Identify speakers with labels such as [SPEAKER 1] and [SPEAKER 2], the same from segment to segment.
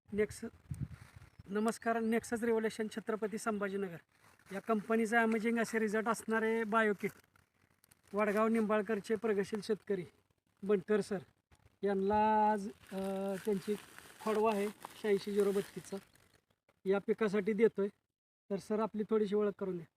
[SPEAKER 1] Next नमस्कार. Nexus revolution Chhatrapati Sambhajinagar या कंपनीचा अमेजिंग असे रिझल्ट असणारे बायोकिट वडगाव निंबाळकरचे प्रगतशील शेतकरी बनकर सर यांना आज त्यांची खोडवा आहे 86-032चा या पिकासाठी देतोय. तर सर आपली थोडीशी ओळख करून द्या.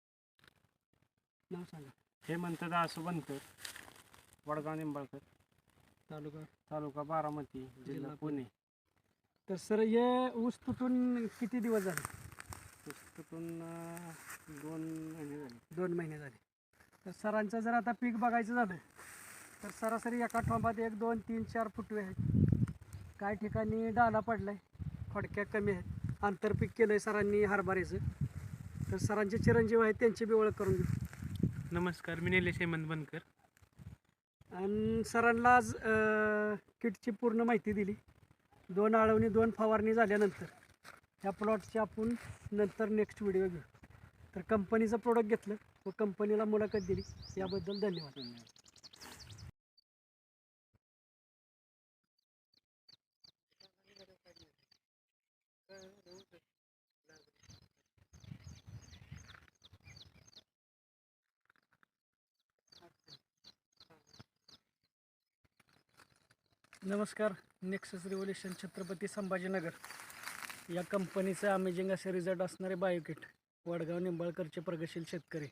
[SPEAKER 1] नाव सांगा.
[SPEAKER 2] हेमंत दासू बनकर, वडगाव निंबाळकर, तालुका बारामती, जिल्हा पुणे.
[SPEAKER 1] तर सर हे ऊस तुटून किती दिवस झाले?
[SPEAKER 2] पुस्तकातून 2 महिने झाले.
[SPEAKER 1] 2 महिने झाले. तर सरांचं जर आता पीक बघायचं झालं तर सरासरी एका ठोंबात 1, 2, 3, 4 फुटवे आहेत. काही ठिकाणी डाला पडलाय, खोडक्या कमी आहेत. आंतरपीक केलं आहे सरांनी हरभऱ्याचं. तर सरांचे चिरंजीव आहेत, त्यांची बी ओळख करून घेऊ.
[SPEAKER 2] नमस्कार, मी निलेश हेमंत बनकर.
[SPEAKER 1] आणि सरांना आज किटची पूर्ण माहिती दिली. 2 आळवणी 2 फवारणी झाल्यानंतर ह्या प्लॉटची आपण नंतर नेक्स्ट व्हिडिओ घेऊ. तर कंपनीचं प्रोडक्ट घेतलं व कंपनीला मुलाखत दिली, याबद्दल धन्यवाद. नमस्कार. नेक्सस रिव्होल्युशन छत्रपती संभाजीनगर या कंपनीचे अमेजिंग असे रिझल्ट असणारे बायोकिट वडगाव निंबाळकरचे प्रगतशील शेतकरी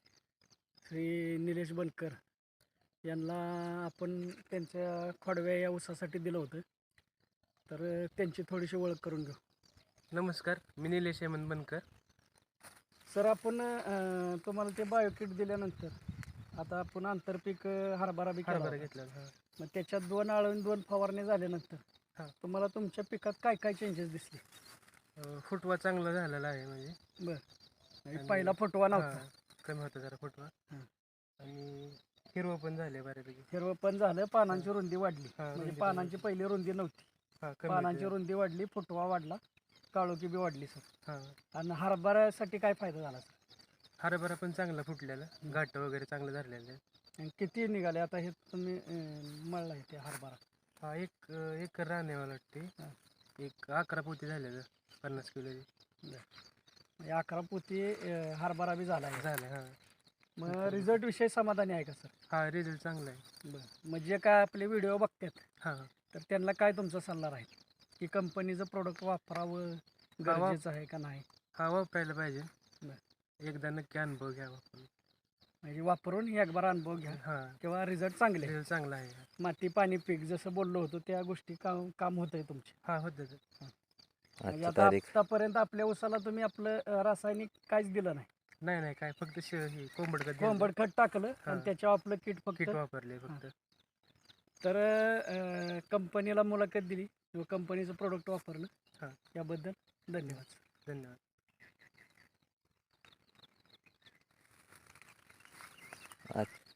[SPEAKER 1] श्री निलेश बनकर यांना आपण त्यांच्या खोडव्या या ऊसासाठी दिलं होतं. तर त्यांची थोडीशी ओळख करून घेऊ.
[SPEAKER 2] नमस्कार, मी निलेश हेमंत बनकर.
[SPEAKER 1] सर आपण तुम्हाला ते बायोकिट दिल्यानंतर आता आपण आंतरपीक हरभरा बी केला होता.
[SPEAKER 2] घेतला.
[SPEAKER 1] मग त्याच्यात 2 आळवणी 2 फवारणी झाल्यानंतर तुम्हाला तुमच्या पिकात काय काय चेंजेस दिसले?
[SPEAKER 2] फुटवा चांगला झालेला आहे. म्हणजे
[SPEAKER 1] बरं, पहिला फुटवा नव्हता,
[SPEAKER 2] कमी होता जरा फुटवा. आणि हिरवं पण झाले बऱ्यापैकी.
[SPEAKER 1] हिरवं पण झालं, पानांची रुंदी वाढली. म्हणजे पानांची पहिली रुंदी नव्हती, पानांची रुंदी वाढली, फुटवा वाढला, काळोखी बी वाढली सर. आणि हरभऱ्यासाठी काय फायदा झाला सर?
[SPEAKER 2] हरभरा पण चांगला फुटलेला, घाट वगैरे चांगलं झालेलं आहे.
[SPEAKER 1] आणि किती निघाले आता हे तुम्ही मळला आहे ते हरभरा?
[SPEAKER 2] हा, एक एकर राहणे मला वाटते. एक 11 पोती झालेलं 50 किलोची.
[SPEAKER 1] म्हणजे 11 पोती हरभरा बी झाला आहे.
[SPEAKER 2] झालं.
[SPEAKER 1] मग रिझल्ट विषयी समाधानी आहे का सर?
[SPEAKER 2] हा, रिझल्ट चांगला आहे.
[SPEAKER 1] बरं, म्हणजे काय आपले व्हिडिओ बघतात
[SPEAKER 2] हां,
[SPEAKER 1] तर त्यांना काय तुमचा सल्ला राहील की कंपनीचं प्रोडक्ट वापरावं गरजेचं आहे का नाही?
[SPEAKER 2] हा, वापरायला पाहिजे.
[SPEAKER 1] बरं,
[SPEAKER 2] एकदा नक्की अनुभव घ्यावा आपण.
[SPEAKER 1] म्हणजे वापरून एक बार अनुभव घ्या किंवा रिझल्ट चांगले.
[SPEAKER 2] रिझल्ट चांगला आहे.
[SPEAKER 1] माती पाणी पीक जसं बोललो होतो त्या गोष्टी काम होत आहे तुमचे.
[SPEAKER 2] हा, होतं.
[SPEAKER 1] म्हणजे आता आतापर्यंत आपल्या ऊसाला तुम्ही आपलं रासायनिक काहीच दिलं नाही?
[SPEAKER 2] नाही, काय फक्त
[SPEAKER 1] कोंबड खत टाकलं आणि त्याच्यावर आपलं किट
[SPEAKER 2] वापरले फक्त.
[SPEAKER 1] तर कंपनीला मुलाखत दिली व कंपनीचं प्रोडक्ट वापरलं, याबद्दल धन्यवाद.
[SPEAKER 3] अच्छा.